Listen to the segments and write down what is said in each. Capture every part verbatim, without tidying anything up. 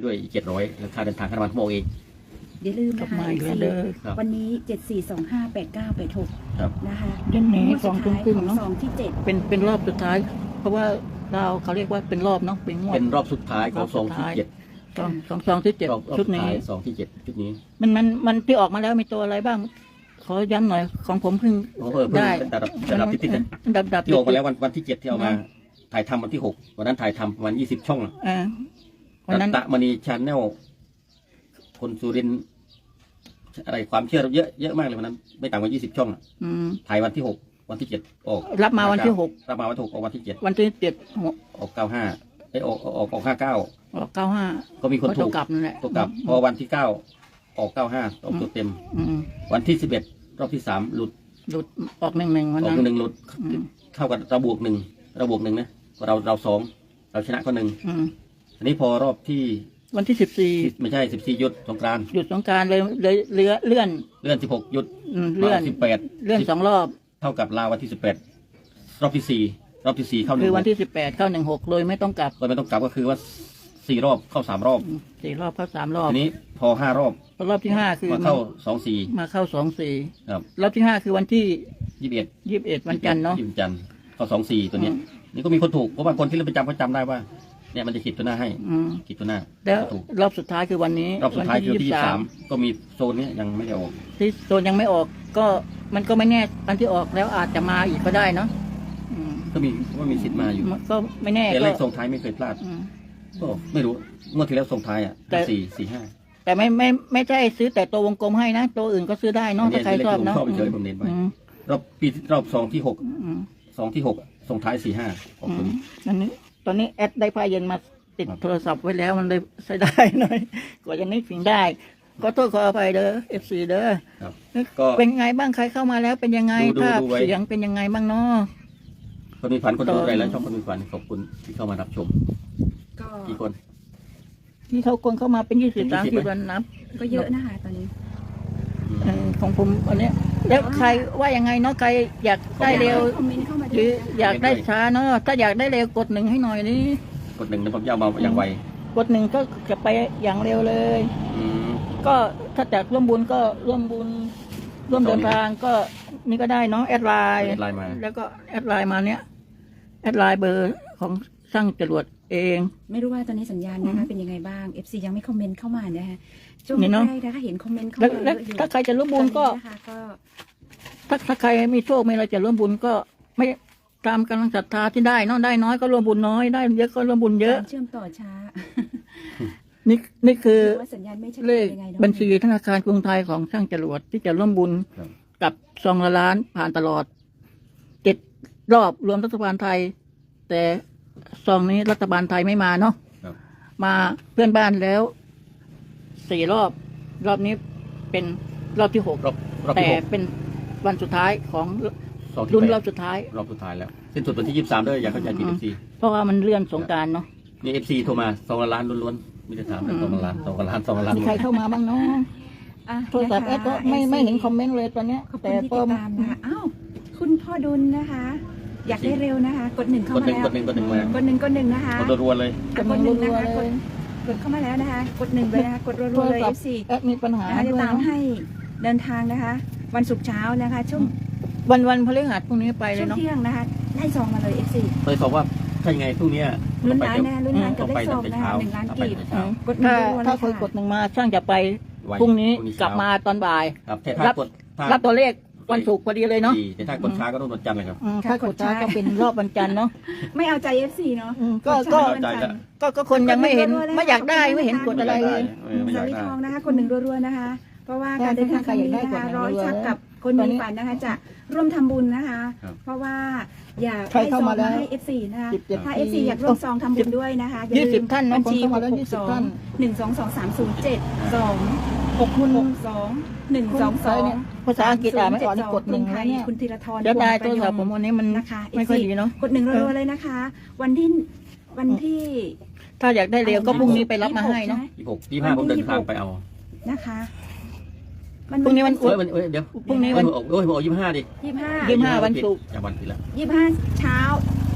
ด้วยอีกเจ็ดร้อยแล้วค่าเดินทางค่าน้ำมันผมบอกเองอย่าลืมนะคะวันนี้เจ็ดสี่สองห้าแปดเก้าแปดหกนะคะเดือนนี้สองทุ่มครึ่งเนาะสองที่เจ็ดเป็นเป็นรอบสุดท้าย เพราะว่าเราเขาเรียกว่าเป็นรอบเนาะเป็นงวดเป็นรอบสุดท้ายของสองที่เจ็ดสองสองสองที่เจ็ดชุดนี้สองที่เจ็ดชุดนี้มันมันมันที่ออกมาแล้วมีตัวอะไรบ้าง ขอย้ำหน่อยของผมเพิ่งได้ระดับระดับติดๆดับดับที่ออกมาแล้ววันวันที่เจ็ดที่เอามาถ่ายทำวันที่หกวันนั้นถ่ายทำประมาณยี่สิบช่องอ่าวันนั้นตะมณีชาแนลคนสุรินทร์อะไรความเชื่อเยอะเยอะมากเลยวันนั้นไม่ต่ำกว่ายี่สิบช่องถ่ายวันที่หกวันที่เจ็ดออกรับมาวันที่หกรับมาวันที่หกออกวันที่เจ็ดวันที่เจ็ดออกเก้าห้าไอออกออกออกห้าเก้าออกเก้าห้าก็มีคนถูกกลับนั่นแหละตัวกลับพอวันที่เก้าออกเก้าห้าออกตัวเต็มวันที่สิบเอ็ดรอบที่สามหลุดหลุดออกหนึ่งหนึ่งวันออนั้กนหนึ่งหลุดเท่ากับเราบวกหนึ่งเราบวกหนึ่งนะเราเราสองเราชนะก็หนึ่งอันนี้พอรอบที่วันที่สิบสี่ไม่ใช่สิบสี่หยุดสงกรานต์หยุดสงกรานต์เลยเลยเลื่อนเลื่อนเลื่อนสิบหกหยุดเลื่อนสิบแปดเลื่อนสองรอบเท่ากับลาวันที่สิบแปดรอบที่สี่รอบที่สี่เข้าหนึ่งคือวันที่สิบแปดเข้าหนึ่งหกเลยไม่ต้องกลับโดยไม่ต้องกลับก็คือว่าสี่รอบเข้าสามรอบสี่รอบเข้าสามรอบทีนี้พอห้ารอบรอบที่ห้าคือมาเข้าสองสี่มาเข้าสองสี่ครับรอบที่ห้าคือวันที่ยี่สิบเอ็ดยี่สิบเอ็ดวันจันทร์เนาะยี่สิบจันทร์เข้าสองสี่ตัวเนี้ยนี่ก็มีคนถูกเพราะบางคนที่เล่นประจำเขาจำได้ว่าเนี่ยมันจะขีดตัวหน้าให้ขีดตัวหน้าแล้วรอบสุดท้ายคือวันนี้รอบสุดท้ายคือที่ยี่สิบสามก็มีโซนนี้ยังไม่ได้ออกที่โซนยังไม่ออกก็มันก็ไม่แน่อันที่ออกแล้วอาจจะมาอีกก็ได้เนาะก็มีว่ามีสิทธิ์มาอยู่ก็ไม่แน่แต่เลขส่งท้ายไม่เคยพลาดก็ไม่รู้งวดที่แล้วส่งท้ายอ่ะสี่สี่ห้าแต่ไม่ไม่ไม่ใช่ซื้อแต่ตัววงกลมให้นะตัวอื่นก็ซื้อได้เนาะถ้าใครชอบเนาะชอบเฉยผมเน้นไว้รอบปีรอบสองที่หกสองที่หกส่งท้ายสี่ห้าของตัวนี้อันนี้ตอนนี้แอดได้พาเย็นมาติดโทรศัพท์ไว้แล้วมันเลยใช้ได้หน่อยกว่าจะนึกถึงได้ก็โทษขออภัยเด้อเอฟซีเด้อก็เป็นไงบ้างใครเข้ามาแล้วเป็นยังไงภาพเสียงเป็นยังไงบ้างเนาะคนมีฝันคนดูอะไรแล้วช่องคนมีฝันขอบคุณที่เข้ามารับชมกี่คนที่เขาคนเข้ามาเป็นยี่สิบสามสิบวันนับก็เยอะนะคะตอนนี้ของผมอันนี้แล้วใครว่ายังไงเนาะใครอยากได้เร็วหรืออยากได้ช้าเนาะถ้าอยากได้เร็วกดหนึ่งให้หน่อยนี่กดหนึ่งนะผมจะเอามาอย่างไวกดหนึ่งก็จะไปอย่างเร็วเลยก็ถ้าจากร่วมบุญก็ร่วมบุญร่วมเดินทางก็นี่ก็ได้เนาะแอดไลน์แล้วก็แอดไลน์มาเนี้ยแอดไลน์เบอร์ของช่างจรวดเองไม่รู้ว่าตอนนี้สัญญาณนะคะเป็นยังไงบ้าง เอฟ ซี ยังไม่คอมเมนต์เข้ามานะคะช่วงแรกนะคะเห็นคอมเมนต์เข้ามาแล้วถ้าใครจะร่วมบุญก็ถ้าถ้าใครมีโชคมีอะไรจะร่วมบุญก็ไม่ตามกำลังศรัทธาที่ได้เนาะได้น้อยก็ร่วมบุญน้อยได้เยอะก็ร่วมบุญเยอะเชื่อมต่อช้านี่นี่คือเลขบัญชีธนาคารกรุงไทยของช่างจรวดที่จะร่วมบุญกับซองละล้านผ่านตลอดเจ็ดรอบรวมรัฐบาลไทยแต่ซองนี้รัฐบาลไทยไม่มาเนาะมาเพื่อนบ้านแล้วสี่รอบรอบนี้เป็นรอบที่หกแต่เป็นวันสุดท้ายของรุ่นรอบสุดท้ายรอบสุดท้ายแล้วสิ้นสุดวันที่ยี่สิบสามด้วยอยากเข้าใจผิดเอฟซีเพราะว่ามันเลื่อนสงกรานต์เนาะนี่เอฟซีโทรมาสองล้านล้วนๆไม่ได้ถามแต่สองล้านสองล้านสองล้านมีใครเข้ามาบ้างเนาะโทรศัพท์แอดก็ไม่ไม่เห็นคอมเมนต์เลยตอนนี้แต่พอมาอ้าวคุณพ่อดุลนะคะอยากได้เร็วนะคะกดหนึ่งเข้ามาแล้วกดหนึ่งกดหนึ่งมากดหนึ่งกดหนึ่งนะคะกดรัวเลยกดหนึ่งนะคะกดกดเข้ามาแล้วนะคะกดหนึ่งเลยนะคะกดรัวๆเลย เอฟ ซีแอดมีปัญหาจะตามให้เดินทางนะคะวันศุกร์เช้านะคะช่วงวันวันพฤหัสพรุ่งนี้ไปเลยเนาะช่วงเที่ยงนะคะได้ซองมาเลย เอฟ ซีเคยบอกว่าถ้ายังไงพรุ่งนี้ลุ้นล้านแน่ลุ้นล้านกับได้ซองนะคะหนึ่งล้านกีบกดหนึ่งรัวๆเลยค่ะถ้าเคยกดหนึ่งมาช่างจะไปพรุ่งนี้กลับมาตอนบ่ายรับรับตัวเลขวันศุกร์พอดีเลยเนาะแต่ถ้ากดช้าก็ต้องวันจันทร์เลยครับถ้ากดช้าก็เป็นรอบวันจันทร์เนาะไม่เอาใจ เอฟ ซี เนาะก็ก็ก็คนยังไม่เห็นไม่อยากได้ไม่เห็นกดอะไรเลยสาลีทองนะคะคนหนึ่งรัวๆนะคะเพราะว่าการเดินทางครั้งนี้นะคะร้อยชักกับคนมีฝันนะคะจะร่วมทำบุญนะคะเพราะว่าอยากให้ซองมาให้ เอฟ ซี นะคะถ้า เอฟ ซี อยากร่วมซองทำบุญด้วยนะคะยี่สิบท่านบัญชีหกหกสองหนึ่งสองสองสามศูนย์เจ็ดสองหกหนึ่งสองหนึ่งสองสองภาษาอังกฤษอ่านไม่ออกกดหนึ่งนะเนี่ยคุณธีรธรเดี๋ยวได้ตัวสอบผมวันนี้มันไม่ค่อยดีเนาะกดหนึ่งรัวๆเลยนะคะ วันที่วันที่ถ้าอยากได้เร็วก็พรุ่งนี้ไปรับมาให้เนาะยี่หกยี่ห้าผมเดินทางไปเอานะคะพรุ่งนี้วันศุกร์เดี๋ยวพรุ่งนี้วันโอ้ยผมเอายี่ห้าดิยี่ห้ายี่ห้าวันศุกร์วันที่แล้วยี่ห้าเช้า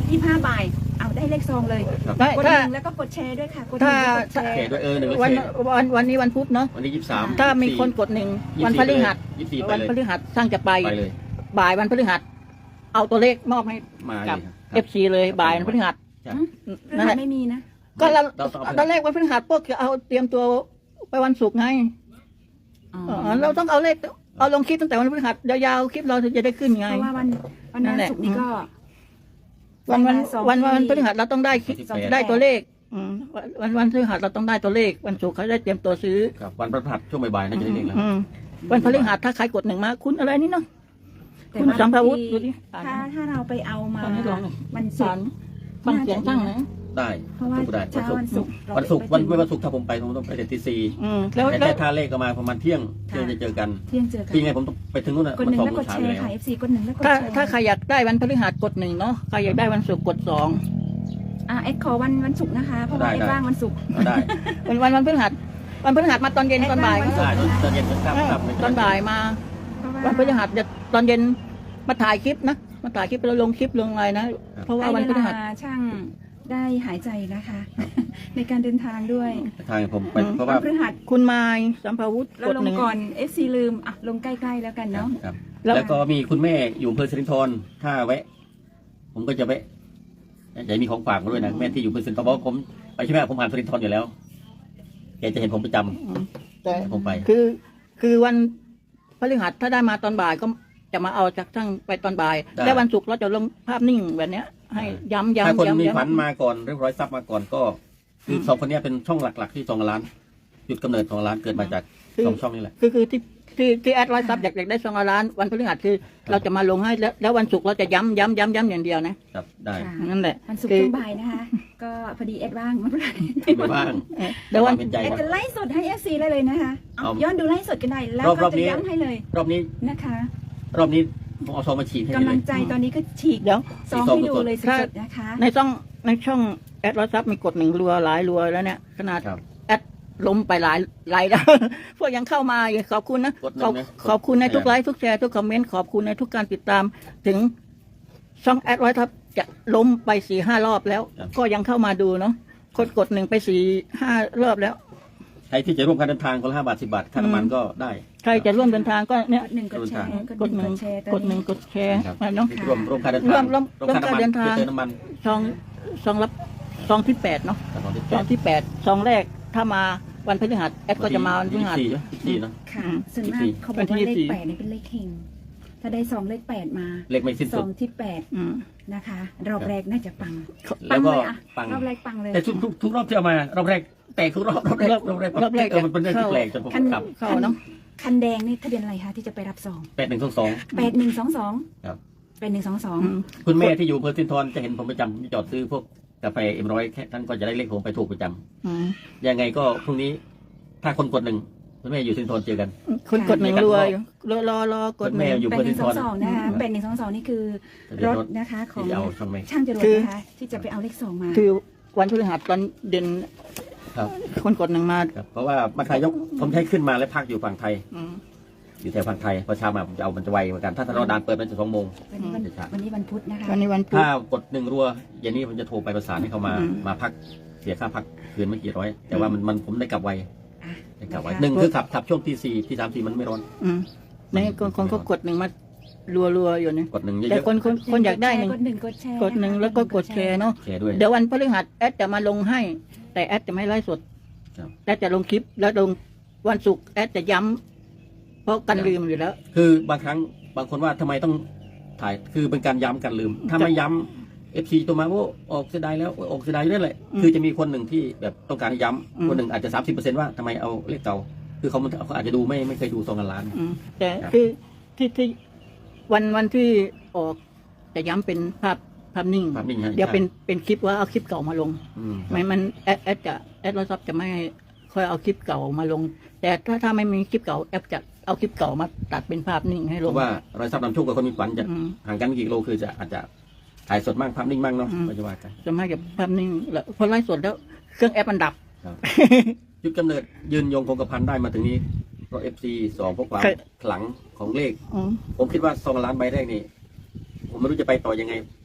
ยี่สิบห้าบ่ายเอาได้เลขซองเลยครับได้กดหถ้านึ่งแล้วก็กดแชร์ด้วยค่ะกดหนึ่งแล้วกดแชแชร์ร์ด้วยเออหนึ่งแล้ววันแชร์วันวันนี้วันพุธเนาะวันนี้ยี่สิบสามถ้ามีคนกดหนึ่งวันพฤหัสยี่สิบสี่ไปวันเลยพฤหัสช่างจะไปไปเลยบ่ายวันพฤหัสเอาตัวเลขมอบให้มาเลกับยครับเอฟซีเลยบ่ายวันพฤหัสใช่พฤนั่นหัแหสละไม่มีนะก็เราเราต้องเอาตอนแรกวันพฤหัสพวกจะเอาเตรียมตัวไปวันศุกร์ไงอ๋อเออเราต้องเอาเลขเอาลงคลิปตั้งแต่วันพฤหัสยาวๆคลิปเราถึงจะได้ขึ้นไงเพราะว่าวันวันนั่นั้นนแหละศุกร์นี้ก็วันวันสองวันวันที่พฤหัสเราต้องได้คลิปสองที่ได้ตัวเลขอืมวันวันพฤหัสเราต้องได้ตัวเลขวันศุกร์เขาได้เตรียมตัวซื้อครับวันพฤหัสช่วงบ่ายๆน่าจะได้เลขแล้วอืมวันพฤหัสถ้าใครกดหนึ่งมาคุณอะไรนี่เนาะแต่คุณว่าสัมภาวุฒิที่ดูดิอ่านถ้าถ้าเราไปเอามาตอนนี้ลองวันศุสาก รร์ฟังเสียงตั้งนะได้เพราะว่าทุกได้เช้าวันศุกร์เราวันศุกร์ไปวันถึงไม่วันศุกร์ถ้าผมไปผมต้องไปเด็ดตีสี่อืมแล้วแต่แล้วถ้าเลขก็มาประมาณเที่ยงเที่ยงจะเจอกันเที่ยงเจอกันที่ไงผมต้องไปถึงนู่นน่ะกดหนึ่งสองแล้วโมกงดเช้าแชอยู่ร์แล้วค่ะ เอฟซี กดหนึ่งแล้วกดถ้าแชร์ถ้าใครอยากได้วันพฤหัสกดหนึ่งเนาะใครอยากได้วันศุกร์กดสองอ่าเอ็ดขอวันวันศุกร์นะคะ เพราะว่าได้เอ็ดได้ว่างวันศุกร์ได้วันวันวันพฤหัสวันพฤหัสมาตอนเย็นตอนบ่ายวันศุกได้ร์ตอนเย็นก็กลับเออกลับไม่ตอนบ่ายมาเพราะว่าวันพฤหัสจะตอนเย็นมาถ่ายคลิปนะมาถ่ายคลิปแล้วลงคลิปลงอะไรนะเพราะว่าให้วันเวพฤหัสลาช่างได้หายใจนะคะ ในการเดินทางด้วยทางผมไปอืมเพราะวัว่านพฤหัสคุณไมายสัมภาวุฒิเรากดลงหนึ่งก่อน เอฟ ซี ลืมอ่ะลงใกล้ๆแล้วกันเนาะครับแล้วแล้วก็มีคุณแม่อยู่อำเภอสิรินธรถ้าแวะ ผมก็จะแวะอยากมีของฝากมาด้วยนะแม่ที่อยู่อำเภอสิรินธรเพราะว่าผมไปใช่ไหมผมผ่านสิรินธรอยู่แล้วแกจะเห็นผมประจำอืมแต่ผมไปคือคือวันพฤหัสถ้าได้มาตอนบ่ายก็จะมาเอาจากช่างไปตอนบ่ายได้แล้ววันศุกร์เราจะลงภาพนิ่งแบบเนี้ย ให้ย้ำย้ำถ้าคนย้ำมีย้ำฝันมาก่อนเรียบร้อยทรัพย์มาก่อนก็ คือสองคนเนี้ยเป็นช่องหลัก ๆ ที่สองล้านจุดกำเนิดของร้านเกิดมาจากสองช่องนี้แหละคือคือที่ที่ที่แอดร้อยซับอยากอยากได้สองล้านวันพฤหัสคือเราจะมาลงให้แล้วแล้ววันศุกร์เราจะย้ำย้ำย้ำย้ำอย่างเดียวนะครับได้ค่ะนั่นแหละวันศุกร์คือช่วงบ่ายนะคะ ก็พอดีเอ็ดว่างมาพอดีไม่ว่างเออเดี๋ยววันเป็นใจเอ็ดครับจะไล่สดให้ เอฟ ซี ได้เลยนะคะเอาเอาย้อนดูไล่สดกันได้แล้วรอบก็รอบนี้จะย้ำให้เลยรอบนี้นะคะรอบนี้ผมเอาซองมาฉีดให้กำเลลังยใจตอนนี้ก็ฉีกเดี๋ยวซองซองให้ดูสดๆเลยสถ้าดๆนะคะในช่องในช่องแอดร้อยซับมีกดหนึ่งรัวหลายรัวแล้วเนี่ยขนาดครับแอดล้มไปหลายหลายแล้ว พวกยังเข้ามาอยู่ขอบคุณนะกดหนึ่ขอบงนะขอบคุณในทุกกดไลฟ์ทุกแชร์ทุกคอมเมนต์ขอบคุณในทุกการติดตาม ถึงช่องแอดร้อยทับจะล้มไปสี่ห้ารอบแล้ว ก็ยังเข้ามาดูเนาะคนกดหนึ่งไปสี่ห้ารอบแล้วใครที่จะร่วมการเดินทางคนละห้าบาทสิบาทค่าน้ำมันก็ได้ใครจะร่วมเดินทางก็เนี่ยกดหนึ่งกดแชร์กดหนึ่งแชร์ตกอนดหนึ่นี้งกดแชร์ครับมาเนาะร่วมร่วมการเดินทางร่วมร่วมร่วมค่าร่วมการเดินทางเติมน้ำมันซองซองรับซองที่แปดเนาะแต่ตอนที่ซองที่แปดซองแรกถ้ามาวันพฤหัสแอดก็จะมาวันพฤหัสยี่สิบสี่เนอะค่ะอืมส่วนมากยี่สิบสี่เขาบอกว่าวันที่เลขยี่สิบสี่แปดนี่เป็นเลขเฮงถ้าได้สองเลขแปดมาเลขไม่สิ้นสสุอดงที่แปดอืมนะคะ รอบแรกน่าจะปังแล้วก็เลยอะปังรอบแรกปังเลยแต่ทุกทุกทุกรอบที่เอามารอบแรกแตกทุกรอบรอบแรกรอบรอบแรกรอบแรกเออมันเป็นเรื่องที่เข้าแปลกจนผมคันขับเข้าเนาะคันแดงนี่ทะเบียนอะไรคะที่จะไปรับซองแปดหนึ่งสองสองแปดหนึ่งสองสองครับแปดหนึ่งสองสองอืมคุณแม่ที่อยู่อำเภอสินทรจะเห็นผมประจำจอดซื้อพวกกาแฟเอ็มร้อยท่านก็จะได้เลขผมไปถูกประจำอืมยังไงก็พรุ่งนี้ ถ้าคนกดหนึ่งคุณแม่อยู่สินทรเจอกันคนกดหนึ่งรัวอยู่รอรอรอกดหนึ่งแม่อยู่แปดหนึ่งสองสองนะคะแปดหนึ่งสองสองนี่คือทะเบียรนถรถนะคะของที่จะเอาช่องแม่ช่างจรวดคือนะคะที่จะไปเอาเลขสองมาคือวันพฤหัสตอนเด่นครับคนกดหนึ่งมาครับ เพราะว่ามาทายกผมใช้ขึ้นมาและพักอยู่ฝั่งไทยอืมอยู่แถวฝั่งไทยพอเช้ามาผมจะเอามันจะไวเหมือนกัน ถ้าถ้ารอดานเปิดมันจะสองโมงวันนี้วันอืมวันนี้วันพุธนะคะวันนี้วันพุธถ้ากดหนึ่งรัวอย่างนี้ผมจะโทรไปประสานให้เขามาอืมมาพักเสียค่าพักคืนไม่กี่ร้อย แต่ว่ามันมันผมได้กลับไวอ่ะได้กลับไวนะคะหนึ่งคือขับขับช่วงที่สี่ที่สามสี่มันไม่ร้อนอืมในคนคนก็กดหนึ่งมารัวรัวๆอยู่เนี่ยกดหนึ่งเยแต่อะคนคนคนอยากได้หนึ่งกดหนึ่งกดแชร์กดหนึ่งแล้วก็กดแชร์เนาะๆแชร์ด้วยเดี๋ยววันพฤหัสแอดจะมาลงให้ แต่แอดจะไม่ไลฟ์สดครับแอดจะลงคลิปแล้วลงวันศุกร์แอดจะย้ำเพราะกันลืมอยู่แล้วคือบางครั้งบางคนว่าทำไมต้องถ่ายคือเป็นการย้ำกันลืม ถ้าไม่ย้ำเอฟซีตัวมาว่าออกเสียดายแล้วออกเสียดายนั่นแหละอืมคือจะมีคนหนึ่งที่แบบต้องการให้ย้อืมำคนหนึ่งอาจจะสามสิบเปอร์เซ็นต์ว่าทำไมเอาเลขเก่าคือเขาเขาอาจจะดูไม่ไม่เคยดูซองกันล้านอืมแต่ครับคือที่ที่วันวันที่ออกจะย้ำเป็นภาพภาพนิ่งภาพนิ่งฮะเดี๋ยวเป็นใช่เป็นคลิปว่าเอาคลิปเก่ามาลงอืมไม่มันแอดแอดจะแอดร้อยซับจะไม่ค่อยเอาคลิปเก่ามาลง แต่ถ้าถ้าไม่มีคลิปเก่าแอดจะเอาคลิปเก่ามาตัดเป็นภาพนิ่งให้เพลงราะว่ารอยซับนำโชคกับคนมีฝันจะอืมห่างกันไม่กี่กิโลคือจะอาจจะถ่ายสดมั่งภาพนิ่งมั่งเนาะอืมไม่จะว่ากันจะไม่กับภาพนิ่งแล้วพอไลฟ์สดแล้วเครื่องแอปมันดับจุดกำเนิดยืนยงคงกระพันได้มาถึงนี้เพราะเอฟซีสองพวกความเคยขลังของเลขอืมผมคิดว่าซองล้านใบแรกนี่ผมไม่รู้จะไปต่อยังไง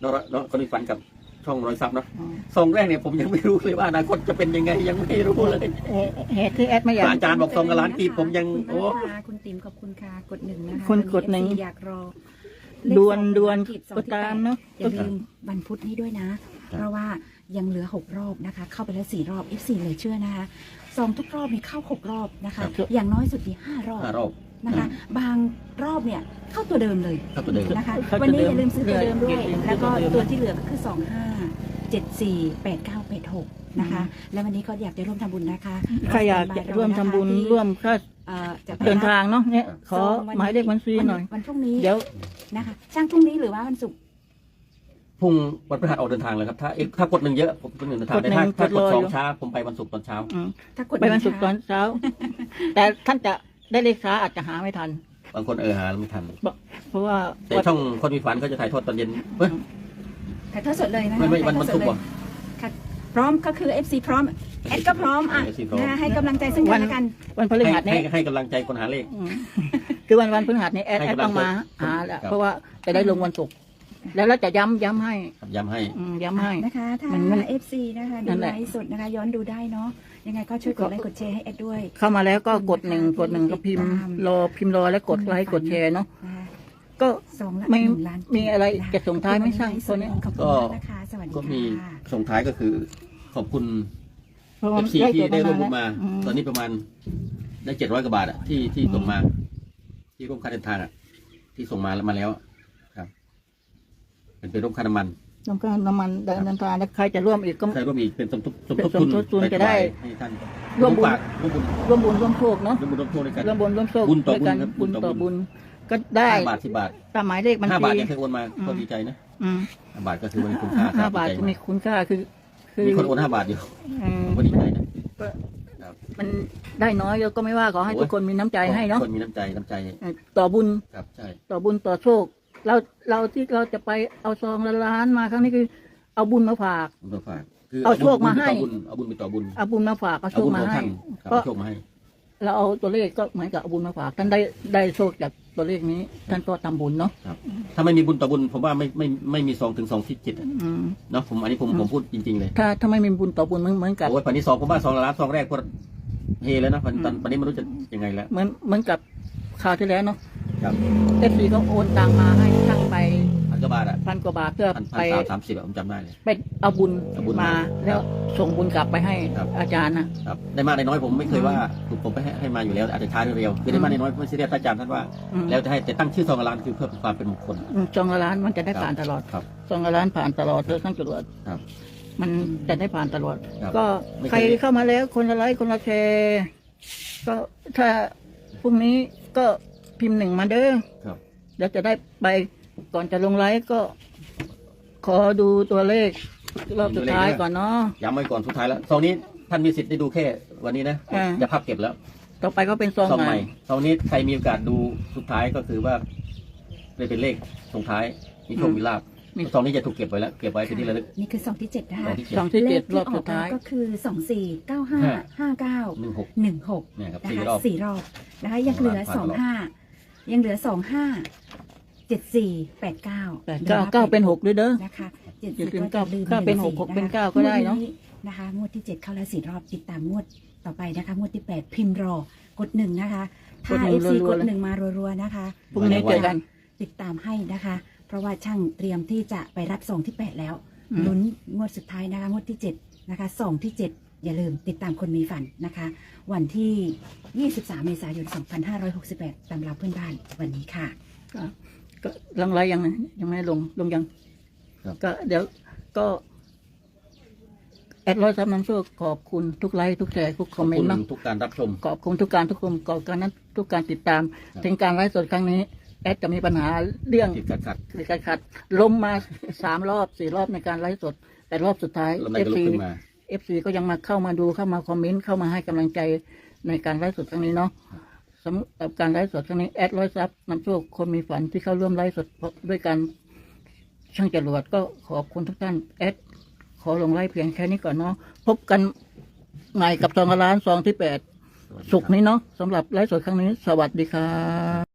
น้องน้องคนมีฝันกับช่องร้อยซับเนาะอืมซองแรกเนี่ยผมยังไม่รู้เลยว่าอนาคตจะเป็นยังไงยังไม่รู้เลยเอ่อเหตุที่แอดไม่อยากอาจารย์บอกซองกับล้านกีบผมยังคุณโอ้ปนัดดาคุณติ๋มขอบคุณค่ะกดหนึ่งนะคะคนกดหนึ่งวั เอฟซีอยากรอดวนดวนเลขสองกดตามเนาะอย่าลืมวันพุธนี้ด้วยนะ เพราะว่ายังเหลือหกรอบนะคะ เข้าไปแล้วสี่รอบ เอฟ ซี เหลยเชื่อนะคะซองทุกรอบมีเข้าหกรอบนะคะ อย่างน้อยสุดที่ห้ารอบห้ารอบนะคะ บางรอบเนี่ยเข้าตัวเดิมเลยครับตัวเดิมนะคะเข้าตัววันนี้เดิมอย่าลืมซื้อตัวเดิมด้วยอย่าลืมซื้อแล้วก็ตัวเดิมตัวที่เหลือก็คือสองห้าเจ็ดสี่แปดเก้าแปดหกนะคะ แล้ววันนี้ก็อยากจะร่วมทำบุญนะคะใครอยากจะร่วมทำบุญที่ร่วมค่าเอ่อจะไปเดินทางเนาะเนี่ยขอซงวันหมายเลขบัญชีหน่อยวันพรุ่งนี้เดี๋ยวนะคะช่างพรุ่งนี้หรือว่าวันศุกร์พรุ่งวันพฤหัสออกเดินทางเลยครับถ้าเอ๊ะถ้ากดหนึ่งเยอะผมกดหนึ่งเดินทางกดหแต่นึ่งถ้าถ้ากกดดรอสองอยู่ช้าผมไปวันศุกร์ตอนเช้าอืมถ้ากดไปวันศุกร์ตอนเช้า แต่ท่านจะได้เลขช้าอาจจะหาไม่ทันบางคนเออหาไม่ทันเพราะว่าแต่ช่องคนมีฝันเขาจะถ่ายทอดตอนเย็นเฮ้ยถ่ายทอดสดเลยนะคะไม่ไม่วันถ่ายทวัอน ดสศุดกร์เลยว่ะค่ะพร้อมก็คือ เอฟ ซี พร้อมแอดก็พร้อมอ่ะเอฟซีพร้อมนะคะให้กำลังใจซึ่งกันและกันวันพฤให้หัสให้นี้ให้กำลังใจคนหาเลขอืมคือวันวันพฤหัสนี้แอดให้แอดกำลังต้องมาใจหาแหละครับเพราะว่าจะได้ลงวันศุกร์แล้วเราจะย้ำย้ำให้ครับย้ำให้อืมย้ำให้นะคะถ้ามันมันเอฟ ซี นะคะนั่ดูนแหไลละฟ์สดนะคะ ย้อนดูได้เนาะยังไงก็ช่วยกดไลค์กดแชร์ให้แอดด้วยเข้ามาแล้วก็กดหนึ่งกดหนึ่งก็พิมพ์รอพิมพ์รอแล้วกดไลค์กดแชร์เนาะนะคะก็สองละไม่หนึ่งล้านมีอะไรนคจะส่งท้ายไหมช่างตัวนี้ขอบคุณมากนะคะสวัสดีก็มีค่ะส่งท้ายก็คือ ขอบคุณเพราะเอว่าฟซีที่ได้ร่วมบุญแล้วมาอืมตอนนี้ประมาณได้เจ็ดร้อยกว่าบาทอะที่ที่ส่งมา ที่ร่วมค่าเดินทางอะที่ส่งมาแล้วมาแล้วอะครับ เป็นเป็นร่วมค่าน้ำมันต้องการน้ำมันเดินเดินทางแล้วใครจะร่วมอีกก็ใครร่วมอีกเป็นสมทบสมทบเป็นสมทบทุนไปจะได้ให้ท่านร่วมบุญฝากร่วมบุญร่วมบุญร่วมโชคเนาะร่วมบุญร่วมโทษด้วยกันร่วมบุญร่วมโชคบุญต่อด้วยกันบุบุญญครับต่อบุบุญญก็ได้ห้าบาทสิบบาทตามหมายเลขบัญห้าชีบาทยังเคยโอนมาอืมก็ดีใจนะอืมห้าบาทก็คือมันมีคุณค่าห้าครับบาทดีใจจะมีคุณค่าคือ คือมีคนโอนห้าบาทอยู่อืมผมก็ดีใจนะก็ครับมันได้น้อยก็ไม่ว่าขอให้ทุกคนมีน้ำใจให้เนาะคนมีน้ำใจน้ำใจเอ่อต่อบุญครับใช่ต่อบุญต่อโชค เราเราที่เราจะไปเอาซองละล้านมาครั้งนี้คือ เอาบุญมาฝากผมต้องฝากคือเอาโชคมาให้บุญเอาบุญไปต่อบุญเอาบุญมาฝากเอาโชเอาคบุญมาของให้ท่านครับก็เอาโชคมาให้เราเอาตัวเลขก็เหมือนกับเอาบุญมาฝากท่านได้ได้โชคจากตัวเลขนี้ ท่านก็ทำบุญเนาะครับ ถ้าไม่มีบุญต่อบุญผมว่าไม่ไม่ไม่มีซองถึงสองที่จิตอะอืมเนาะผมอันนี้ผมผมพูดจริงๆเลยถ้าถ้าไม่มีบุญต่อบุญเหมือนเหมือนกับโอ้ยปันนี้ซองผมว่าซองละล้านซองแรกก็เฮแล้วนะปันตอนปันนี้ไม่รู้จะยังไงแล้วเหมือนเหมือนกับคราวที่แล้วเนาะครับเอฟซีก็โอนตังมาให้ช่างไปพันกว่าบาทอ่ะพันกว่าบาทเพื่อพันพัไปนสามสามสิบอะผมจำได้เลยไปเอาบุญเอาบุญมามาแล้วส่งบุญกลับไปให้ครับอาจารย์นะครับได้มากได้น้อยผมไม่เคยว่าผมผมไปให้ให้มาอยู่แล้วอาจจะช้าหรือเร็วคือได้มากได้น้อยไม่ซีเรียสพระอาจารย์ท่านว่าอืมแล้วจะให้แต่ตั้งชื่อซองละล้านคือเพื่อเป็นความเป็นมงคลอืมซองละล้านมันจะได้ผ่านตลอดครับซองละล้านผ่านตลอดเลยทั้งจรวดครับมันจะได้ผ่านตลอดครับก็ไม่เคยใครเข้ามาแล้วคนละไลค์คนละแชร์ก็ถ้าพรุ่งนี้ก็พิมพ์หนึ่งมาเด้อครับเดี๋ยวจะได้ไปก่อนจะลงไลฟ์ก็ ขอดูตัวเลขรอบสุดท้ายก่อนเนาะย้ำไว้ก่อนสุดท้ายแล้วซองนี้ท่านมีสิทธิ์ได้ดูแค่วันนี้นะอ่าจะพับเก็บแล้วต่อไปก็เป็นซองซองใหใหม่ม่ซองนี้ใครมีโอกาสดูสุดท้ายก็คือว่าได้เป็นเลขส่งท้ายมีโชคมีลาบซองนี้จะถูกเก็บไว้แล้วเก็บไว้เป็นที่ระลึกนี่คือซองที่เจ็ดนะซอคะงที่เจ็ซดองที่เจ็ดเลขรอบสุดท้ายก็คือสองสี่เก้าห้าห้าเก้าหนึ่งหกหนึ่งหกเนี่ยครับนะสี่คะรอบสี่รอบนะคะยังเหลือผ่านสองรอบห้ายังเหลือสองห้าเจ็ดสี่แปดเก้าแปดเก้าเก้าเป็นหกด้วยเด้อนะคะเจ็ดอย่าสี่ลืมก็จะลืมเก้าเป็นหกสี่หกเป็นะคะเก้าก็ได้เนอะงวนะคะงวดที่เจ็ดเข้าแล้วสี่รอบติดตามงวดต่อไปนะคะงวดที่แปดพิมพ์รอกดหนึ่งนะคะถ้าเอฟซีกดหนึ่งมารัวๆนะคะพรุ่งนี้เจอกันติดตามให้นะคะ เพราะว่าช่างเตรียมที่จะไปรับซองที่แปดแล้วอืมลุ้นงวดสุดท้ายนะคะงวดที่เจ็ดนะคะซองที่เจ็ดอย่าลืมติดตามคนมีฝันนะคะ วันที่ยี่สิบสามเมษายนสองพันห้าร้อยหกสิบแปดตำราเพื่อนบ้านวันนี้ค่ะก็ก็ลงไลฟ์ยังนะยังไม่ได้ลงลงยังครับก็เดี๋ยวก็แอดร้อยซับน้ำโชคขอบคุณทุกไลค์ทุกแชร์ทุกคขออมบเมนคุต์ณเนาะทุกการรับชมขอบคุณทุกการทุกคนขอบคุณนั้นทุกการติดตามครับถึงการไลฟ์สดครั้งนี้ แอดจะมีปัญหาเรื่องติดขัดขัดติดขัดขัดล้มมาสามรอบสี่รอบในการไลฟ์สด แต่รอบสุดท้ายลมไหนเอฟก็ลุกซีขึ้นมาเอฟซีก็ยังมาเข้ามาดูเข้ามาคอมเมนต์เข้ามาให้กำลังใจในการไลฟ์สดครั้งนี้เนาะสำหรับการไลฟ์สดครั้งนี้แอดร้อยซับน้ำโชคคนมีฝันที่เข้าร่วมไลฟ์สดด้วยกันช่างจรวดก็ขอบคุณทุกท่านแอดขอลงไลฟ์เพียงแค่นี้ก่อนเนาะพบกันใหม่กับซองละล้านซองที่แปดศุกร์นี้เนาะสำหรับไลฟ์สดครั้งนี้ สวัสดีครับ